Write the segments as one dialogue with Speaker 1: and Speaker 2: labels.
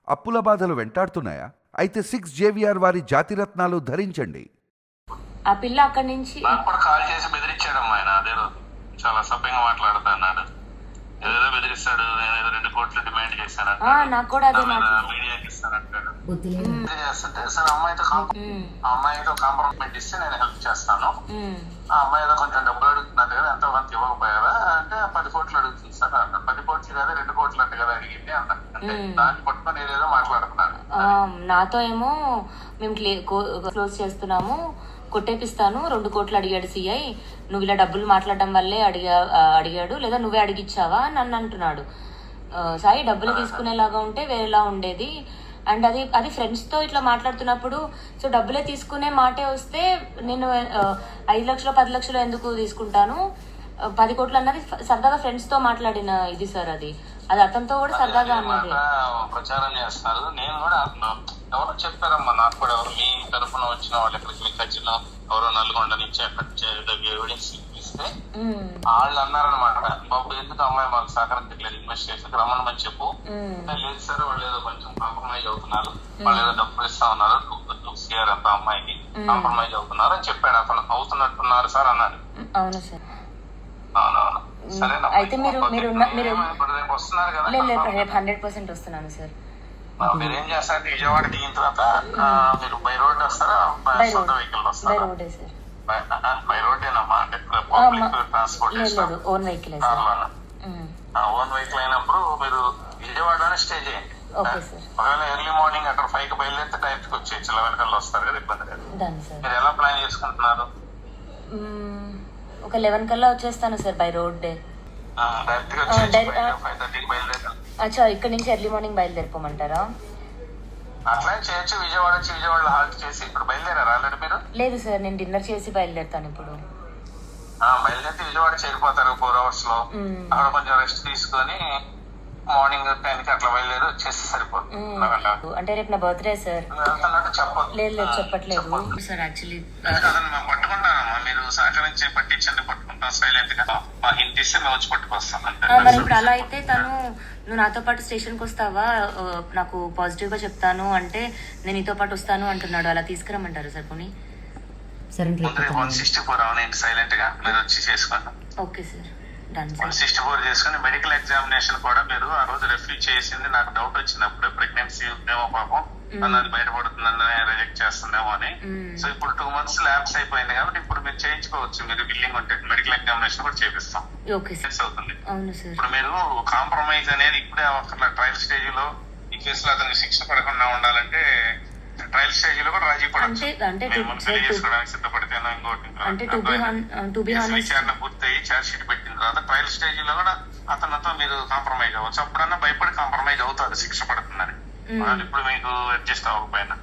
Speaker 1: అప్పుల బాధలు వెంటాడుతున్నాయా? అయితే 6 JVR వారి జాతిరత్నాలు ధరించండి.
Speaker 2: ఆ పిల్ల అక్కడి నుంచి
Speaker 3: నాకు కూడా కాల్ చేసి బెదిరించాడమ్మా ఆయన. అదే రోజు చాలా సభ్యంగా మాట్లాడుతా అన్నాడు. ఏదో బెదిరిస్తాడు, నేను 2 కోట్లు డిమాండ్ చేశాను,
Speaker 2: నాకు కూడా అదే
Speaker 3: మీడియాకి ఇస్తానంటాడు. చేస్తుంటే సార్ అమ్మాయితో కాంప్రమైజ్ ఇస్తే నేను హెల్ప్ చేస్తాను, ఆ అమ్మాయి ఏదో కొంచెం డబ్బులు అడుగుతున్నట్టు కదా, ఎంతో కొంత ఇవ్వకపోయారా అంటే 10 కోట్లు అడుగుతుంది సార్ అన్న. 10 కోట్లు కదా 2 కోట్లు అంటే కదా అడిగింది అన్న. దాన్ని పట్టుకొని ఏదేదో మాట్లాడుతున్నాను.
Speaker 2: నాతో ఏమో మేము క్లోజ్ చేస్తున్నాము, కొట్టేపిస్తాను, 2 కోట్లు అడిగాడు సిఐ, నువ్వు ఇలా డబ్బులు మాట్లాడడం వల్లే అడిగాడు, లేదా నువ్వే అడిగిచ్చావా నన్ను అంటున్నాడు. సాయి డబ్బులు తీసుకునేలాగా ఉంటే వేరేలా ఉండేది. అండ్ అది ఫ్రెండ్స్తో ఇట్లా మాట్లాడుతున్నప్పుడు సో డబ్బులే తీసుకునే మాటే వస్తే నేను 5 లక్షలు 10 లక్షలు ఎందుకు తీసుకుంటాను, 10 కోట్లు అన్నది సరదాగా ఫ్రెండ్స్తో మాట్లాడిన ఇది సార్. అది అతనితో కూడా సరదాగా అన్నది.
Speaker 3: ప్రచారం చేస్తున్నారు. నేను కూడా ఎవరో చెప్పారమ్మా నాకు కూడా, ఎవరు మీ తరఫున వచ్చిన వాళ్ళు ఎక్కడికి మీ ఖర్చులో ఎవరో నల్గొండ నుంచి ఎవిడెన్స్ ఇస్తే వాళ్ళు అన్నారనమాట, బాబు ఎందుకు అమ్మాయి మాకు సహకరించట్లేదు, ఇన్వెస్ట్ చేసి రమ్మని చెప్పు. లేదు సార్ వాళ్ళు ఏదో కొంచెం కాంప్రమైజ్ అవుతున్నారు, వాళ్ళు ఏదో డబ్బులు ఇస్తా ఉన్నారు 2 CR అంత అమ్మాయికి కాంప్రమైజ్ అవుతున్నారు అని చెప్పాడు. అతను అవుతున్నట్టున్నారు సార్ అన్నాడు.
Speaker 2: అవును సార్.
Speaker 3: అవునవును సరేనా.
Speaker 2: అయితే మీరు
Speaker 3: రేపు వస్తున్నారు కదా?
Speaker 2: 100% వస్తున్నాను సార్.
Speaker 3: మీరు ఏం చేస్తారు, విజయవాడ దిగిన తర్వాత మీరు బై రోడ్ వస్తారా, సొంత వెహికల్ వస్తారా? బై రోడ్డేనమ్మా, అంటే public transport
Speaker 2: own vehicle.
Speaker 3: Own vehicle అయినప్పుడు మీరు విజయవాడలోనే స్టే చేయండి. ఒకవేళ ఎర్లీ మార్నింగ్ అక్కడ 5కి బయలుదేరితే డైరెక్ట్ వచ్చేయచ్చు, 11 కల్లా వస్తారు కదా, ఇబ్బంది లేదు. మీరు ఎలా ప్లాన్ చేసుకుంటున్నారు?
Speaker 2: ఒక 11 కల్లా వచ్చేస్తాను సార్ బై రోడ్.
Speaker 3: డైరెక్ట్ గా 5:30కి బయలుదేరారు.
Speaker 2: అచ్చా, ఇక్కడ నుంచి ఎర్లీ మార్నింగ్ బయలుదేరిపోమంటారా?
Speaker 3: అట్లా చేయొచ్చు. విజయవాడలో హాల్ట్ చేసి ఇప్పుడు బయలుదేరారు ఆల్రెడీ మీరు?
Speaker 2: లేదు సార్, నేను డిన్నర్ చేసి బయలుదేరుతాను ఇప్పుడు.
Speaker 3: బయలుదేరి విజయవాడ చేరిపోతారు 4 hours లో. అక్కడ కొంచెం రెస్ట్ తీసుకొని మార్నింగ్ 10కి అట్లా బయలుదేరి వచ్చేసి సరిపోతుంది.
Speaker 2: అంటే రేపు నా బర్త్డే సార్.
Speaker 3: చెప్పదు.
Speaker 2: లేదు చెప్పట్లేదు సార్. యాక్చువల్లీ
Speaker 3: పట్టుకుంటానమ్మా, మీరు సహకరించి పట్టించండి, పట్టుకుంటాం సైలెంట్ గా. మా హింట్ ఇస్తే మేము వచ్చి పట్టుకొస్తాం.
Speaker 2: మరి ఇప్పుడు అలా అయితే నువ్వు నాతో పాటు స్టేషన్కి వస్తావా, నాకు పాజిటివ్ గా చెప్తాను అంటే నేను నీతో పాటు వస్తాను అంటున్నాడు. అలా తీసుకురమ్మంటారు సార్ పోనీ?
Speaker 3: 164 అవునండి, సైలెంట్ గా మీరు వచ్చి చేసుకోండి.
Speaker 2: Okay sir.
Speaker 3: 164 చేసుకుని మెడికల్ ఎగ్జామినేషన్ కూడా మీరు ఆ రోజు రిఫ్యూజ్ చేసింది నాకు డౌట్ వచ్చినప్పుడు, ప్రెగ్నెన్సీ ఉందేమో పాపం అన్నది బయటపడుతుందని రిజెక్ట్ చేస్తుందేమో అని. సో ఇప్పుడు 2 months ల్యాబ్స్ అయిపోయింది కాబట్టి ఇప్పుడు మీరు చేయించుకోవచ్చు. మీరు బిల్లింగ్ ఉంటే మెడికల్ ఎగ్జామినేషన్ కూడా చేపిస్తాం. అవుతుంది. ఇప్పుడు మీరు కాంప్రమైజ్ అనేది ఇప్పుడే అవసరం. ట్రయల్ స్టేజ్ లో ఈ కేసులో అతనికి శిక్ష పడకుండా ఉండాలంటే ట్రయల్ స్టేజ్ లో కూడా రాజీ పడచ్చు. సిద్ధపడితేనో ఇంకోటి విచారణ పూర్తయి ఛార్జ్ షీట్ పెట్టిన తర్వాత ట్రయల్ స్టేజ్ లో కూడా అతనితో మీరు కాంప్రమైజ్ అవ్వచ్చు. అప్పుడన్నా భయపడి కాంప్రమైజ్ అవుతారు శిక్ష పడుతుందని. ఇప్పుడు మీకు అడ్జస్ట్ అవ్వకపోయినా.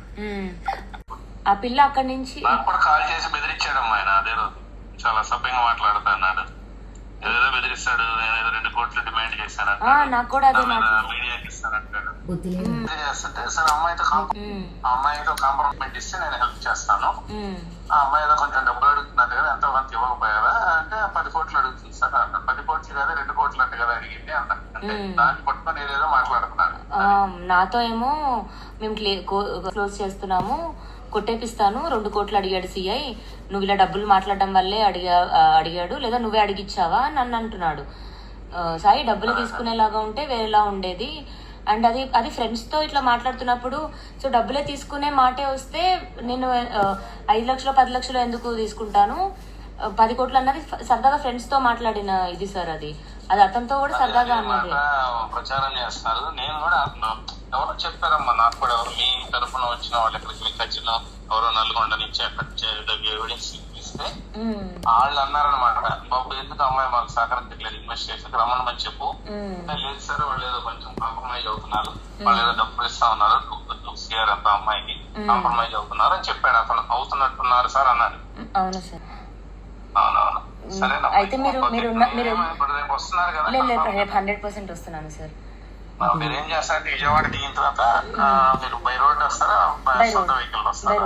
Speaker 2: ఆ పిల్ల అక్కడి నుంచి
Speaker 3: నాకు కూడా కాల్ చేసి బెదిరించాడమ్మా ఆయన. అదే రోజు చాలా సభ్యంగా మాట్లాడుతా అన్నాడు. ఏదో బెదిరిస్తాడు, నేను ఏదో 2 కోట్లు డిమాండ్ చేశాను,
Speaker 2: నాకు కూడా అదే
Speaker 3: మీడియాకి ఇస్తానంటాడు. చేస్తుంటే సార్ అమ్మాయితో కాంప్రమైజ్ ఇస్తే నేను హెల్ప్ చేస్తాను, ఆ అమ్మాయి ఏదో కొంచెం డబ్బులు అడుగుతున్నట్టు కదా, ఎంతో కొంత ఇవ్వకపోయారా అంటే 10 కోట్లు అడుగుతుంది సార్ అన్న. 10 కోట్లు కదా 2 కోట్లు అంటే కదా అడిగింది అన్న. దాన్ని పట్టుకొని ఏదేదో మాట్లాడుతున్నాను.
Speaker 2: నాతో ఏమో మేము క్లోజ్ చేస్తున్నాము, కొట్టేపిస్తాను, 2 కోట్లు అడిగాడు సిఐ, నువ్వు ఇలా డబ్బులు మాట్లాడడం వల్లే అడిగాడు, లేదా నువ్వే అడిగిచ్చావా నన్ను అంటున్నాడు. సాయి డబ్బులు తీసుకునేలాగా ఉంటే వేరేలా ఉండేది. అండ్ అది ఫ్రెండ్స్తో ఇట్లా మాట్లాడుతున్నప్పుడు సో డబ్బులే తీసుకునే మాటే వస్తే నేను 5 లక్షలు 10 లక్షలు ఎందుకు తీసుకుంటాను, 10 కోట్లు అన్నది సరదాగా ఫ్రెండ్స్తో మాట్లాడిన ఇది సార్. అది అతనితో కూడా సరదాగా అన్నది.
Speaker 3: ప్రచారం చేస్తున్నారు. నేను కూడా ఎవరో చెప్పారమ్మా నాకు కూడా, ఎవరు మీ తరఫున వచ్చిన వాళ్ళు ఎక్కడికి మీ ఖర్చులో ఎవరో నల్గొండ నుంచి ఎవిడెన్స్ ఇస్తే వాళ్ళు అన్నారనమాట, బాబు ఎందుకు అమ్మాయి మాకు సహకరించట్లేదు, ఇన్వెస్ట్ చేసి రమ్మని చెప్పు. లేదు సార్ వాళ్ళు ఏదో కొంచెం కాంప్రమైజ్ అవుతున్నారు, వాళ్ళు ఏదో డబ్బులు ఇస్తా ఉన్నారు 2 CR అంత అమ్మాయికి కాంప్రమైజ్ అవుతున్నారు అని చెప్పాడు. అతను అవుతున్నట్టున్నారు సార్ అన్నాడు.
Speaker 2: అవును సార్.
Speaker 3: అవునవును సరేనా.
Speaker 2: అయితే మీరు
Speaker 3: రేపు వస్తున్నారు కదా?
Speaker 2: 100% వస్తున్నాను సార్.
Speaker 3: మీరు ఏం చేస్తారు, విజయవాడ దిగిన తర్వాత మీరు బై రోడ్ వస్తారా, సొంత వెహికల్ వస్తారా?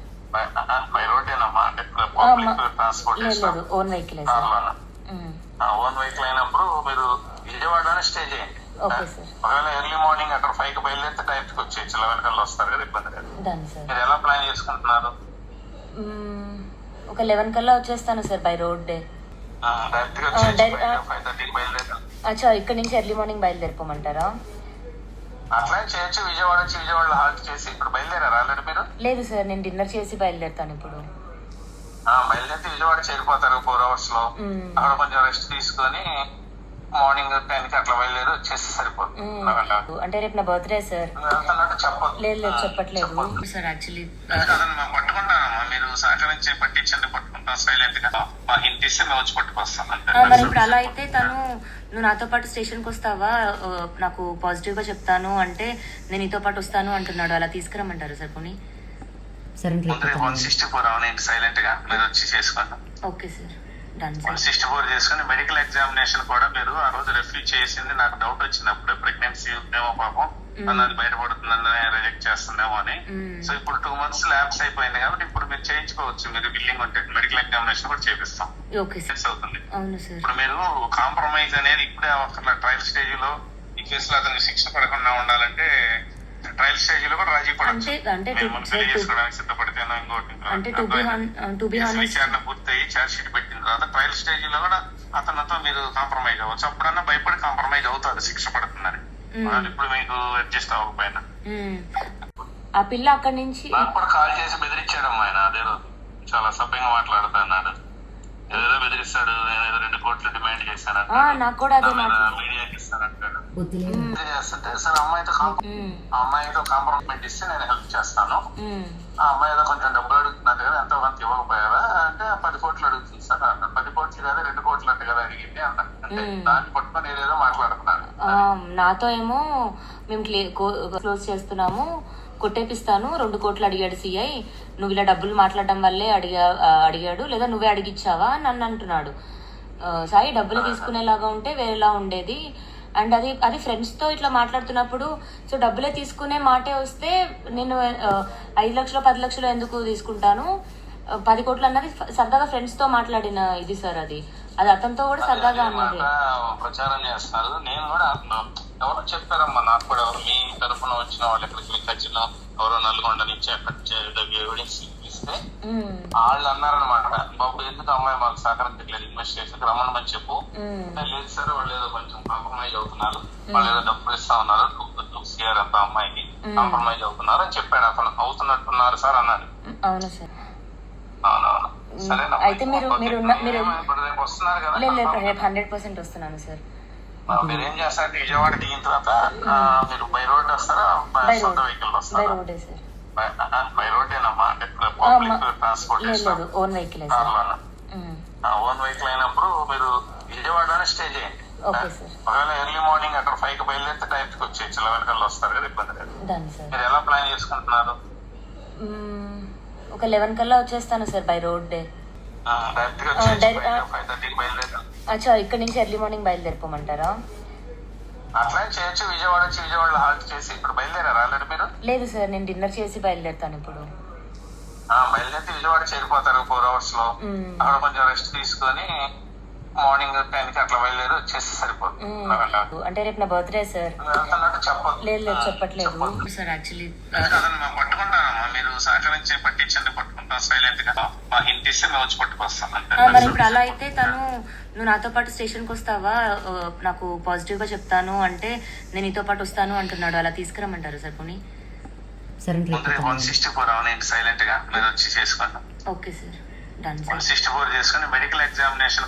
Speaker 3: బై రోడ్డేనమ్మా, అంటే public transport
Speaker 2: own vehicle.
Speaker 3: Own vehicle అయినప్పుడు మీరు విజయవాడలోనే స్టే చేయండి.
Speaker 2: Okay sir.
Speaker 3: ఒకవేళ ఎర్లీ మార్నింగ్ అక్కడ 5 కి బయలుదేరితే డైరెక్ట్ గా వచ్చేయచ్చు. 11 కల్లా వస్తారు కదా, ఇబ్బంది లేదు.
Speaker 2: Done sir.
Speaker 3: మీరు ఎలా ప్లాన్ చేసుకుంటున్నారు?
Speaker 2: ఒక 11 కల్లా వచ్చేస్తాను సార్ బై రోడ్ డే.
Speaker 3: డైరెక్ట్ గా 5:30కి బయలుదేరారు.
Speaker 2: అచ్చా, ఇక్కడ నుంచి ఎర్లీ మార్నింగ్ బయలుదేరిపోమంటారా?
Speaker 3: అట్లా చేయొచ్చు. విజయవాడ వచ్చి విజయవాడలో హాల్ట్ చేసి ఇప్పుడు బయలుదేరారు ఆల్రెడీ మీరు?
Speaker 2: లేదు సార్, నేను డిన్నర్ చేసి బయలుదేరుతాను ఇప్పుడు.
Speaker 3: బయలుదేరి విజయవాడ చేరిపోతారు 4 hours లో. అక్కడ కొంచెం రెస్ట్ తీసుకొని మార్నింగ్ 10 కి అట్లా బయలుదేరి వచ్చేసి సరిపోతుంది.
Speaker 2: అంటే రేపు నా బర్త్డే సార్.
Speaker 3: వెళ్తున్నట్టు చెప్పదు.
Speaker 2: లేదు చెప్పట్లేదు సార్. యాక్చువల్లీ
Speaker 3: పట్టుకుంటానమ్మా, మీరు సహకరించి పట్టించండి, పట్టుకుంటాం సైలెంట్ గా. మా హింట్ ఇస్తే మేము వచ్చి పట్టుకొస్తాం.
Speaker 2: మరి ఇప్పుడు అలా అయితే నువ్వు నాతో పాటు స్టేషన్కి వస్తావా, నాకు పాజిటివ్ గా చెప్తాను అంటే నేను నీతో పాటు వస్తాను అంటున్నాడు. అలా తీసుకురమ్మంటారు సార్ పోనీ?
Speaker 3: 164 అవునండి, సైలెంట్ గా మీరు వచ్చి చేసుకోండి.
Speaker 2: Okay sir, done sir.
Speaker 3: 164 చేసుకుని మెడికల్ ఎగ్జామినేషన్ కూడా మీరు ఆ రోజు రిఫ్యూజ్ చేసింది నాకు డౌట్ వచ్చినప్పుడు. ప్రెగ్నెన్సీ ఉందేమో పాపం, అన్నది బయటపడుతుందని రిజెక్ట్ చేస్తుందేమో అని. సో ఇప్పుడు 2 months ల్యాబ్స్ అయిపోయింది కాబట్టి ఇప్పుడు మీరు చేయించుకోవచ్చు. మీరు బిల్లింగ్ ఉంటే మెడికల్ ఎగ్జామినేషన్ కూడా చేపిస్తాం.
Speaker 2: Okay sir.
Speaker 3: అవుతుంది.
Speaker 2: అవును సార్.
Speaker 3: ఇప్పుడు మీరు కాంప్రమైజ్ అనేది ఇప్పుడే అక్కడ ట్రయల్ స్టేజ్ లో ఈ కేసులో అతనికి శిక్ష పడకుండా ఉండాలంటే ట్రయల్ స్టేజ్ లో కూడా రాజీ పడచ్చు. సిద్ధపడితేనో ఇంకోటి విచారణ పూర్తయి ఛార్జ్ షీట్ పెట్టిన తర్వాత ట్రయల్ స్టేజ్ లో కూడా అతనితో మీరు కాంప్రమైజ్ అవ్వచ్చు. అప్పుడన్నా భయపడి కాంప్రమైజ్ అవుతారు శిక్ష పడుతుందని. ఇప్పుడు మీకు అడ్జస్ట్ అవ్వకపోయినా
Speaker 2: ఆ పిల్ల అక్కడి నుంచి
Speaker 3: నాకు కూడా కాల్ చేసి బెదిరించాడమ్మా ఆయన. అదేదో చాలా సభ్యంగా మాట్లాడుతున్నాడు. ఏదో బెదిరిస్తాడు, నేనేదో 2 కోట్లు డిమాండ్ చేశాను,
Speaker 2: నాకు కూడా అదే
Speaker 3: మీడియాకి ఇస్తానంటాడు. చేస్తుంటే సరే అమ్మాయితో కాంప్రమైజ్ ఇస్తే నేను హెల్ప్ చేస్తాను. ఆ అమ్మాయి ఏదో కొంచెం డబ్బులు అడుగుతున్నారు కదా, ఎంతో కొంత ఇవ్వకపోయారా అంటే 10 కోట్లు అడుగుతుంది సార్ అన్న. 10 కోట్లు కదా 2 కోట్లు అంటే కదా అడిగింది అన్న. అంటే దాన్ని పట్టుకొని ఏదేదో మాట్లాడుతున్నాడు.
Speaker 2: నాతో ఏమో మేము క్లోజ్ చేస్తున్నాము, కొట్టేపిస్తాను, 2 కోట్లు అడిగాడు సిఐ, నువ్వు ఇలా డబ్బులు మాట్లాడడం వల్లే అడిగాడు, లేదా నువ్వే అడిగిచ్చావా నన్ను అంటున్నాడు. సాయి డబ్బులు తీసుకునేలాగా ఉంటే వేరేలా ఉండేది. అండ్ అది ఫ్రెండ్స్ తో ఇట్లా మాట్లాడుతున్నప్పుడు సో డబ్బులే తీసుకునే మాటే వస్తే నేను 5 లక్షలు 10 లక్షలు ఎందుకు తీసుకుంటాను, 10 కోట్లు అన్నది సరదాగా ఫ్రెండ్స్ తో మాట్లాడిన ఇది సార్. అది అతనితో కూడా సరదాగా అన్నది.
Speaker 3: ప్రచారం చేస్తున్నారు. నేను కూడా ఎవరో చెప్పారమ్మా నాకు కూడా, ఎవరు మీ తరఫున వచ్చిన వాళ్ళు ఎక్కడికి మీకు వచ్చిన ఎవరో నల్గొండ నుంచి అక్కడ ఎవిడెన్స్ ఇస్తే వాళ్ళు అన్నారనమాట, బాబు ఎందుకు అమ్మాయి మాకు సహకరించట్లేదు, ఇన్వెస్టిగేషన్ రమ్మని చెప్పు. లేదు సార్ వాళ్ళు ఏదో కొంచెం కాంప్రమైజ్ అవుతున్నారు, వాళ్ళు ఏదో డబ్బులు ఇస్తా ఉన్నారు 2 CR అంత అమ్మాయికి కాంప్రమైజ్ అవుతున్నారు అని చెప్పాడు. అతను అవుతున్నట్టున్నారు సార్ అన్నాడు.
Speaker 2: అవును సార్.
Speaker 3: అవునవును. సరేనా,
Speaker 2: అయితే మీరు
Speaker 3: రేపు వస్తున్నారు కదా?
Speaker 2: రేపు 100% వస్తున్నాను సార్.
Speaker 3: మీరు ఏం చేస్తారంటే విజయవాడ దిగిన తర్వాత మీరు బై రోడ్ వస్తారా, సొంత వెహికల్ వస్తారా? బై రోడ్డేనమ్మా, అంటే public transportation
Speaker 2: own vehicle.
Speaker 3: Own vehicle అయినప్పుడు మీరు విజయవాడలోనే స్టే చేయండి. ఒకవేళ ఎర్లీ మార్నింగ్ అక్కడ 5 కి బయలుదేరితే డైరెక్ట్ వచ్చేయచ్చు. 11 కల్లా వస్తారు కదా, ఇబ్బంది లేదు. మీరు ఎలా ప్లాన్ చేసుకుంటున్నారు?
Speaker 2: ఒక 11 కల్లా వచ్చేస్తాను సార్ బై రోడ్ డే.
Speaker 3: డైరెక్ట్ గా 5:30కి బయలుదేరారు.
Speaker 2: అచ్చా, ఇక్కడ నుంచి ఎర్లీ మార్నింగ్ బయలుదేరిపోమంటారా?
Speaker 3: అట్లా చేయొచ్చు. విజయవాడ వచ్చి విజయవాడలో హాల్ట్ చేసి ఇప్పుడు బయలుదేరారు ఆల్రెడీ మీరు?
Speaker 2: లేదు సార్, నేను డిన్నర్ చేసి బయలుదేరుతాను ఇప్పుడు.
Speaker 3: బయలుదేరి విజయవాడ చేరిపోతారు 4 hours లో. అక్కడ కొంచెం రెస్ట్ తీసుకొని మార్నింగ్ 10 కి అట్లా బయలుదేరి వచ్చేసి సరిపోతుంది.
Speaker 2: అంటే రేపు నా బర్త్డే సార్.
Speaker 3: వెళ్తున్నట్టు చెప్పదు.
Speaker 2: లేదు చెప్పట్లేదు సార్. యాక్చువల్లీ
Speaker 3: పట్టుకుంటానమ్మా, మీరు సహకరించి పట్టించండి, పట్టుకుంటాం సైలెంట్ గా. మా హింట్ ఇస్తే మేము వచ్చి పట్టుకొస్తాం.
Speaker 2: మరి ఇప్పుడు అలా అయితే నువ్వు నాతో పాటు స్టేషన్కి వస్తావా, నాకు పాజిటివ్ గా చెప్తాను అంటే నేను నీతో పాటు వస్తాను అంటున్నాడు. అలా తీసుకురమ్మంటారు సార్ పోనీ?
Speaker 3: 164 అవునండి, సైలెంట్ గా మీరు వచ్చి చేసుకోండి.
Speaker 2: Okay sir, done sir.
Speaker 3: 164 చేసుకుని మెడికల్ ఎగ్జామినేషన్